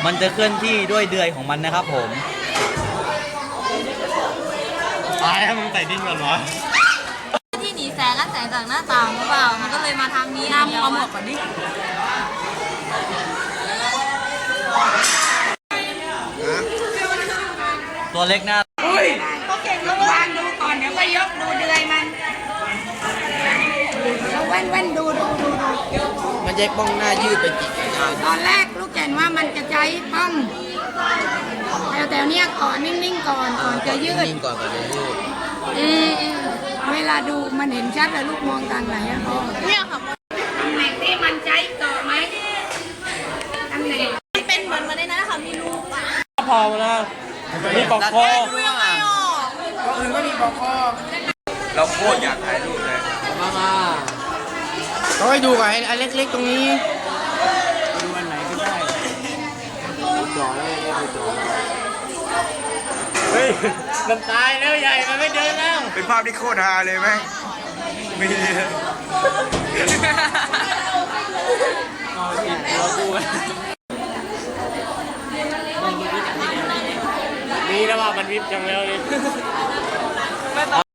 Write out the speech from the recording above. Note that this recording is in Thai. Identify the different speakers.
Speaker 1: มันจะเคลื่อนที่ด้วยเดือยของมันนะครับผมตายแล้วมึงใส่ดิ้นก่อนวะ
Speaker 2: ที่หนีแสงและแสงจากหน้าต่างหรือเปล่ามันก็เลยมาทางนี้นะเอาหมวกก่อนดิ
Speaker 1: ตัวเล็กหน้า
Speaker 2: เขาเก่งแล้ววางดูก่อนเดี๋ยวก็ยกดูเดือยมันเราแว่นดู
Speaker 3: มันจะป้องหน้ายืดไปจิก
Speaker 2: ตอนแรกลูกแก่นว่ามันจะใช้ป้อมแต่เนี้ยก่อนนิ่งๆก่อนจะยืด
Speaker 3: นิ่งก่อนจะยืด
Speaker 2: เวลาดูมันเห็นชัดเลยลูกมองทางไหนอะพ่อเนี่ยค่ะตำแหน่งที่มันใช้ต่อไหมตำแหน่งมันเป็นเหมือนมาในนั้นค่ะมีรู
Speaker 1: พอแล้วมีปอกคอ
Speaker 2: ดูยังไงอ่ะ
Speaker 3: ก็อื่นก็มีปอกคอ
Speaker 1: เราโคตรอยากถ่ายรูปเลย
Speaker 3: มาต้องให้ดูก่อนอันเล็กๆตรงนี้ดูอันไหนก็ได้จ่อแล้วไม่จ่อ
Speaker 1: เฮ้ยมันตายแล้วใหญ่มันไม่เดินแล้ว
Speaker 4: เป็นภาพที่โคตรฮาเลยไหมมี
Speaker 1: นี่นะว่ามันวิบจังแล้วเลย